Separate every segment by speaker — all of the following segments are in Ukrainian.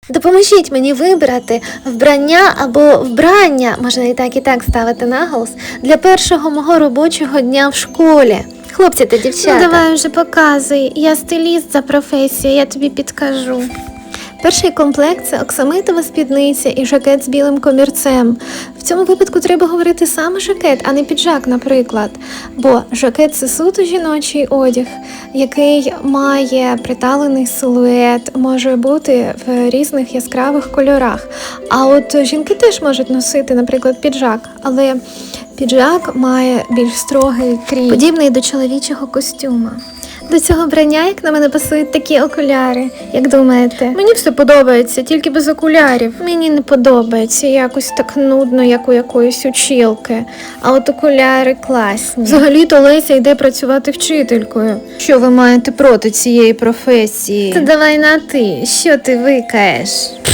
Speaker 1: Допоможіть мені вибрати вбрання або вбрання, можна і так ставити наголос, для першого мого робочого дня в школі. Хлопці та дівчата.
Speaker 2: Ну давай вже показуй, я стиліст за професією, я тобі підкажу.
Speaker 1: Перший комплект – це оксамитова спідниця і жакет з білим комірцем. В цьому випадку треба говорити саме жакет, а не піджак, наприклад. Бо жакет – це суто жіночий одяг, який має приталений силует, може бути в різних яскравих кольорах. А от жінки теж можуть носити, наприклад, піджак, але піджак має більш строгий крій, подібний до чоловічого костюма. До цього вбрання, як на мене, пасують такі окуляри. Як думаєте?
Speaker 2: Мені все подобається, тільки без окулярів.
Speaker 1: Мені не подобається, якось так нудно, як у якоїсь училки. А от окуляри класні.
Speaker 2: Взагалі-то Леся йде працювати вчителькою.
Speaker 3: Що ви маєте проти цієї професії?
Speaker 1: Та давай на ти, що ти викаєш?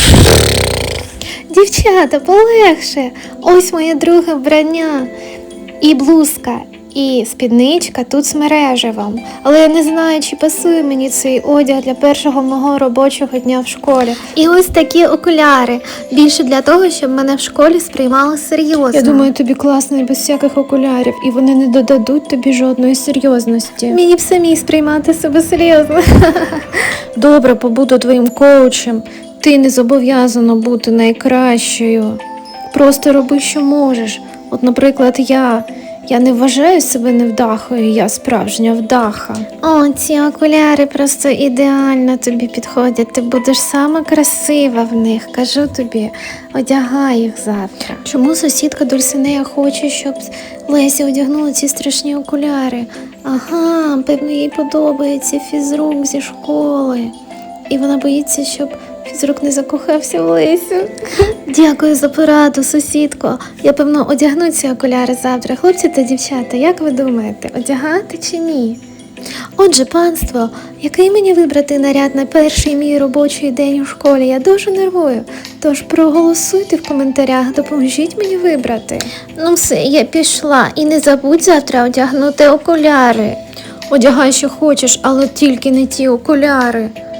Speaker 1: Дівчата, полегше. Ось моє друге вбрання. І блузка, і спідничка тут з мережевом. Але я не знаю, чи пасує мені цей одяг для першого мого робочого дня в школі. І ось такі окуляри. Більше для того, щоб мене в школі сприймали серйозно.
Speaker 2: Я думаю, тобі класно і без всяких окулярів, і вони не додадуть тобі жодної серйозності.
Speaker 1: мені б самі сприймати себе серйозно.
Speaker 2: Добре, побуду твоїм коучем. Ти не зобов'язана бути найкращою. Просто роби, що можеш. От, наприклад, я не вважаю себе невдахою, я справжня вдаха.
Speaker 1: О, ці окуляри просто ідеально тобі підходять. Ти будеш сама красива в них. Кажу тобі, одягай їх завтра.
Speaker 2: Чому сусідка Дульсинея хоче, щоб Леся одягнула ці страшні окуляри?
Speaker 1: Ага, певно, їй подобається фізрук зі школи. І вона боїться, щоб фізрук не закохався в Лесю. Дякую за пораду, сусідко. Я, певно, одягну ці окуляри завтра. Хлопці та дівчата, як ви думаєте, одягати чи ні? Отже, панство, який мені вибрати наряд на перший мій робочий день у школі? Я дуже нервую. Тож проголосуйте в коментарях, допоможіть мені вибрати. Ну все, я пішла. І не забудь завтра одягнути окуляри.
Speaker 2: Одягай, що хочеш, але тільки не ті окуляри.